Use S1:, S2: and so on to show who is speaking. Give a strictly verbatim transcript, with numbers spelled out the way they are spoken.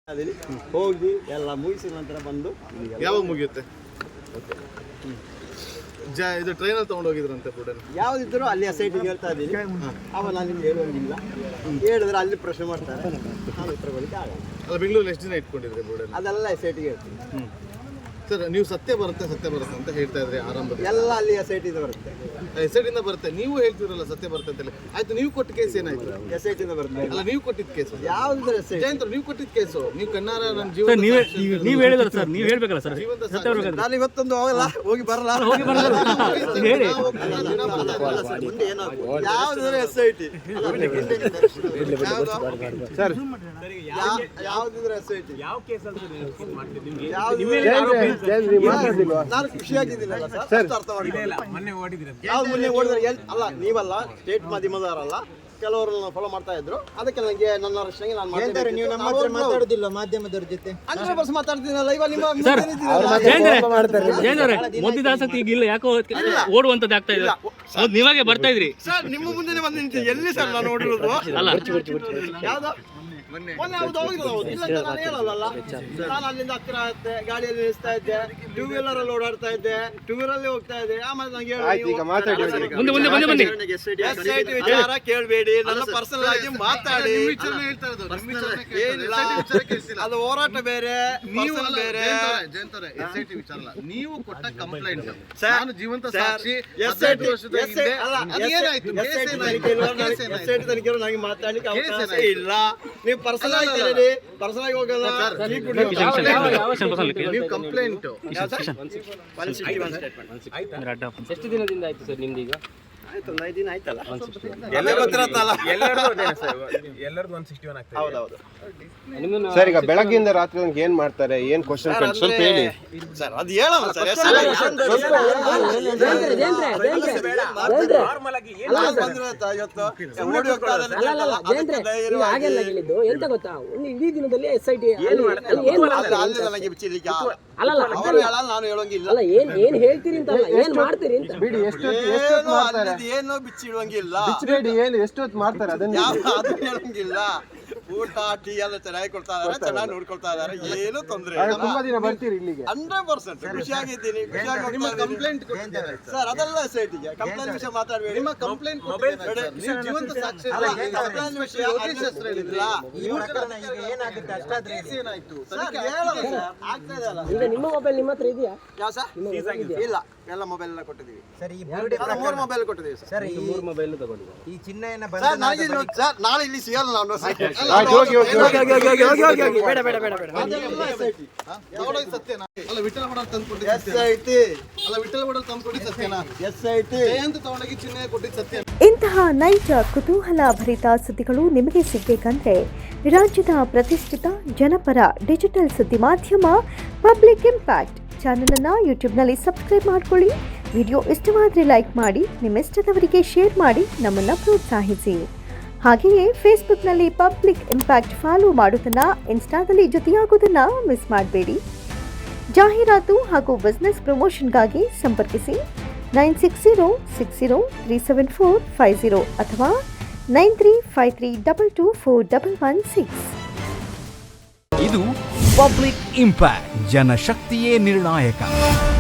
S1: ಹೋಗಿ ಎಲ್ಲ ಮುಗಿಸಿದ ನಂತರ ಬಂದು
S2: ಯಾವಾಗ ಮುಗಿಯುತ್ತೆ? ಜ ಇದು ಟ್ರೈನಲ್ಲಿ ತೊಗೊಂಡು ಹೋಗಿದ್ರಂತೆ ಫುಡ್
S1: ಯಾವುದಿದ್ರು ಅಲ್ಲಿ ಸೈಟಿಗೆ ಹೇಳ್ತಾ ಇದ್ದೀನಿ. ಅವ ನಾನು ನಿಮ್ಗೆ ಹೇಳುವಂಗಿಲ್ಲ, ಹೇಳಿದ್ರೆ ಅಲ್ಲಿ ಪ್ರಶ್ನೆ ಮಾಡ್ತಾರೆ, ನಾನು ಉತ್ತರ ಕೊಡಲಿಕ್ಕೆ ಆಗಲ್ಲ.
S2: ಅಲ್ಲ, ಬೆಂಗಳೂರಲ್ಲಿ ಎಷ್ಟು ದಿನ ಇಟ್ಕೊಂಡಿದ್ರೆ ಫುಡ್?
S1: ಅದೆಲ್ಲ ಸೈಟಿಗೆ ಹೇಳ್ತೀನಿ.
S2: ಹ್ಞೂ ಸರ್, ನೀವು ಸತ್ಯ ಬರುತ್ತೆ ಸತ್ಯ ಬರುತ್ತೆ ಅಂತ ಹೇಳ್ತಾ ಇದ್ರಿ ಆರಂಭದಲ್ಲಿ.
S1: ಎಲ್ಲ ಅಲ್ಲಿ ಎಸ್ ಐ ಟಿಂದ ಬರುತ್ತೆ.
S2: ಎಸ್ ಐ ಟಿಂದ ಬರುತ್ತೆ, ನೀವು ಹೇಳ್ತಿರಲ್ಲ ಸತ್ಯ ಬರುತ್ತೆ ಅಂತೇಳಿ. ಆಯ್ತು, ನೀವು ಕೊಟ್ಟ ಕೇಸ್ ಏನಾಯ್ತು?
S1: ಎಸ್ ಐ ಟಿಂದ ಬರುತ್ತೆ.
S2: ಅಲ್ಲ, ನೀವು ಕೊಟ್ಟಿದ್ದ ಕೇಸು
S1: ಯಾವ್ದು ಎಸ್ ಐ
S2: ಜಯಂತ್ರ, ನೀವು ಕೊಟ್ಟಿದ್ದ ಕೇಸು ನೀವು ಕಣ್ಣಾರ ನನ್ನ ಜೀವನ
S3: ನೀವು ಹೇಳಿದ್ರೆ ಸರ್, ನೀವು ಹೇಳ್ಬೇಕಲ್ಲ ಸರ್.
S1: ನಾನು ಇವತ್ತೊಂದು ಹೋಗಲ್ಲ, ಹೋಗಿ ಬರಲ್ಲ,
S3: ಹೋಗಿ ಬರಲ್ಲ ಹೇಳಿ.
S1: ಮುಂದೆ ಏನಾಗ್ಬೋದು? ಯಾವ್ದಾದ್ರೆ ಎಸ್ ಐ ಟಿ ಸರ್, ಯಾವ್ದಿದ್ರೆ ಎಸ್ ಐ ಟಿ ನಾನು ಖುಷಿಯಾಗಿದ್ದೀನಲ್ಲ ಸರ್, ಅರ್ಥ ಮಾಡಿಲ್ಲ. ಯಾವ್ದು ಮೊನ್ನೆ ಓಡಿದ್ರೆ ಅಲ್ಲ, ನೀವಲ್ಲ, ಸ್ಟೇಟ್ ಮಾಧ್ಯಮದವರಲ್ಲ, ಕೆಲವರು ಫಾಲೋ ಮಾಡ್ತಾ ಇದ್ರು. ಅದಕ್ಕೆ ನನಗೆ ನನ್ನ ರಕ್ಷಣೆಗೆ ನಾನು ಮಾಡ್ತಾರೆ. ನೀವು ನಮ್ಮ ಹತ್ರ ಮಾತಾಡೋದಿಲ್ಲ ಮಾಧ್ಯಮದವ್ರ ಜೊತೆ? ಹಂಡ್ರೆಡ್ ಪರ್ಸೆಂಟ್ ಮಾತಾಡ್ತೀನಲ್ಲ. ಇವಾಗ ನಿಮ್ಮ
S3: ಮೊದಲಿದ ಆಸಕ್ತಿ ಈಗ ಇಲ್ಲ, ಯಾಕೋ ಓಡುವಂತದ್ದು ಆಗ್ತಾ ಇದೆ. ನೀವಾಗೆ ಬರ್ತಾ ಇದ್ರಿ
S1: ಸರ್, ನಿಮ್ಮ ಮುಂದೆ ಬಂದು ನಿಂತಿದ್ದೆ. ಎಲ್ಲಿ ಸರ್ ನಾನು ಓಡಿರೋದು?
S3: ಅಲ್ಲ,
S1: ಯಾವ್ದು ಮೊನ್ನೆ ಹೌದು ಹೋಗಿರೋದು. ಹೌದು ಇಲ್ಲ ಅಂತ ನಾನು ಹೇಳಲ್ಲ. ನಾನು ಅಲ್ಲಿಂದ ಹತ್ತಿರ ಆಗುತ್ತೆ, ಗಾಡಿಯಲ್ಲಿ ನಿಲ್ಲಿಸ್ತಾ ಇದ್ದೆ, ಟೂ ವೀಲರ್ ಅಲ್ಲಿ ಓಡಾಡ್ತಾ ಇದ್ದೆ, ಟೂ ವೀಲರ್ ಅಲ್ಲಿ ಹೋಗ್ತಾ ಇದ್ದೆ. ಆಮೇಲೆ ನಂಗೆ
S3: ಮುಂದೆ ಮುಂದೆ ಮುಂದೆ ಬನ್ನಿ.
S1: ಎಸ್ ಐ ಟಿ ವಿಚಾರ ಕೇಳಬೇಡಿ, ನನ್ನ ಪರ್ಸನಲ್ ಆಗಿ ಮಾತಾಡಿ. ಏನಿಲ್ಲ, ಅದು ಹೋರಾಟ ಬೇರೆ, ನೀವು ಬೇರೆ.
S2: ನೀವು ಕೊಟ್ಟ ಕಂಪ್ಲೇಂಟ್
S1: ನಾನು
S2: ಜೀವಂತ ಸಾಕ್ಷಿ.
S1: ಎಸ್ ಐ ಟಿ ತನಿಖೆಗಳು ನನಗೆ ಮಾತಾಡ್ಲಿಕ್ಕೆ ಅವಕಾಶ ಇಲ್ಲ. ನೀವು ಪರ್ಸನಲ್ ಆಗಿ ಕೇಳಿ, ಪರ್ಸನಲ್ ಆಗಿ ಹೋಗಲ್ಲ.
S2: ನೀವು ಕಂಪ್ಲೇಂಟ್
S3: ಎಷ್ಟು ದಿನದಿಂದ ಆಯ್ತು ಸರ್ ನಿಮ್ದು? ಈಗ
S1: ಆಯ್ತು, ಒಂದು ಐದು ದಿನ ಆಯ್ತಲ್ಲ.
S4: ಎಲ್ಲ ಗೊತ್ತಿರತ್ತಲ್ಲ, ಎಲ್ಲರದು ಒನ್ ಸಿಕ್ಸ್ಟಿ ಒನ್ ಆಗ್ತದೆ.
S1: ಹೌದೌದು
S5: ಸರ್. ಈಗ ಬೆಳಗ್ಗೆಯಿಂದ ರಾತ್ರಿ ತನಕ ಏನ್ ಮಾಡ್ತಾರೆ, ಏನ್ ಕ್ವಶನ್ ಸ್ವಲ್ಪ ಹೇಳಿ
S1: ಸರ್. ಅದು ಹೇಳೋಣ ಸರ್.
S6: ಎಂತ ಗೊತ್ತಾ, ಒಂದು ಇಡೀ ದಿನದಲ್ಲಿ ಎಸ್ ಐ ಟಿ
S1: ನಾನು ಹೇಳೋಂಗಿಲ್ಲ.
S6: ಅಲ್ಲ, ಏನ್ ಏನ್ ಹೇಳ್ತೀರಿ ಅಂತ, ಏನ್ ಮಾಡ್ತೀರಿ ಅಂತ
S5: ಬಿಡಿ. ಎಷ್ಟು
S1: ಏನೋ ಬಿಚ್ಚಿಡುವಂಗಿಲ್ಲ,
S5: ಏನು ಎಷ್ಟೊತ್ತು ಮಾಡ್ತಾರೆ ಅದನ್ನ
S1: ಅದು ಹೇಳಂಗಿಲ್ಲ. ಊಟ ಟೀ ಎಲ್ಲ ಚೆನ್ನಾಗಿ ಕೊಡ್ತಾ ಇದಾರೆ, ಚೆನ್ನಾಗಿ ನೋಡ್ಕೊಳ್ತಾ ಇದಾರೆ, ಏನು ತೊಂದ್ರೆ ಇಲ್ಲ.
S5: ತುಂಬಾ ದಿನ ಬರ್ತೀರಿ ಇಲ್ಲಿಗೆ?
S1: ಹಂಡ್ರೆಡ್ ಪರ್ಸೆಂಟ್ ಖುಷಿಯಾಗಿದ್ದೀನಿ.
S2: ಕಂಪ್ಲೇಂಟ್
S1: ಸರ್, ಅದೆಲ್ಲ ಸೈಟಿಗೆ ಕಂಪ್ಲೇಂಟ್ ವಿಷಯ ಮಾತಾಡಬೇಡಿ.
S2: ನಿಮ್ಮ ಕಂಪ್ಲೇಂಟ್ ಮೊಬೈಲ್ ಜೀವಂತ ಸಾಕ್ಷಿ
S1: ಕಂಪ್ಲೇಂಟ್ ವಿಷಯ ಏನಾಯ್ತು ಸರ್, ಹೇಳೋಣ ಸರ್. ಆಗ್ತಾ ಇದೆ ಅಲ್ಲ.
S6: ಈಗ ನಿಮ್ಮ ಮೊಬೈಲ್ ನಿಮ್ಮ ಹತ್ರ ಇದೆಯಾ?
S1: ಯಾವ ಸರ್? ಇಲ್ಲ, ಎಲ್ಲ ಮೊಬೈಲ್ ಎಲ್ಲ ಕೊಟ್ಟಿದ್ದೀವಿ ಸರ್. ಮೂರು ಮೊಬೈಲ್ ಕೊಟ್ಟಿದ್ದೀವಿ ಸರ್.
S3: ಮೂರು ಮೊಬೈಲ್ ತಗೊಂಡಿದ್ದಾರೆ.
S4: ಈ ಚಿನ್ನ
S1: ಸರ್, ನನಗೆ ಸರ್ ನಾಳೆ ಇಲ್ಲಿ ಸಿಗಲ್ಲ ನಾನು.
S6: ಬೇಡ ಬೇಡ ಬೇಡ ಬೇಡ.
S2: ಸತ್ಯನಾ? ಅಲ್ಲ, ವಿಠಲ ಬಡ ತಂದು ಕೊಟ್ಟಿದ್ದು
S1: ಎಸ್ ಐ ಟಿ
S2: ಅಲ್ಲ, ವಿಠಲ ಬಡ ತಂದು ಕೊಟ್ಟಿದ್ದು ಸತ್ಯನಾ?
S1: ಎಸ್ ಐ ಟಿ
S2: ಜಯಂತ ತಗೊಂಡೋಗಿ ಚಿನ್ನ ಕೊಟ್ಟಿದ್ದು ಸತ್ಯ.
S7: ಇಂತಹ ನೈಜ ಕುತೂಹಲ ಭರಿತ ಸುದ್ದಿಗಳು ನಿಮಗೆ ಸಿಗಬೇಕಂದ್ರೆ ರಾಜ್ಯದ ಪ್ರತಿಷ್ಠಿತ ಜನಪರ ಡಿಜಿಟಲ್ ಸುದ್ದಿ ಮಾಧ್ಯಮ ಪಬ್ಲಿಕ್ ಇಂಪ್ಯಾಕ್ಟ್ ಚಾನಲನ್ನು ಯೂಟ್ಯೂಬ್ನಲ್ಲಿ ಸಬ್ಸ್ಕ್ರೈಬ್ ಮಾಡ್ಕೊಳ್ಳಿ. ವಿಡಿಯೋ ಇಷ್ಟವಾದರೆ ಲೈಕ್ ಮಾಡಿ, ನಿಮ್ಮಿಷ್ಟದವರಿಗೆ ಶೇರ್ ಮಾಡಿ ನಮ್ಮನ್ನು ಪ್ರೋತ್ಸಾಹಿಸಿ. ಹಾಗೆಯೇ ಫೇಸ್ಬುಕ್ನಲ್ಲಿ ಪಬ್ಲಿಕ್ ಇಂಪ್ಯಾಕ್ಟ್ ಫಾಲೋ ಮಾಡೋದನ್ನು, ಇನ್ಸ್ಟಾದಲ್ಲಿ ಜೊತೆಯಾಗೋದನ್ನು ಮಿಸ್ ಮಾಡಬೇಡಿ. ಜಾಹೀರಾತು ಹಾಗೂ ಬಿಸ್ನೆಸ್ ಪ್ರಮೋಷನ್ಗಾಗಿ ಸಂಪರ್ಕಿಸಿ nine six zero six zero three seven four five zero ಅಥವಾ nine three five three double two four double one six.
S8: ಇದು ಪಬ್ಲಿಕ್ ಇಂಪ್ಯಾಕ್ಟ್, ಜನಶಕ್ತಿಯೇ ನಿರ್ಣಾಯಕ.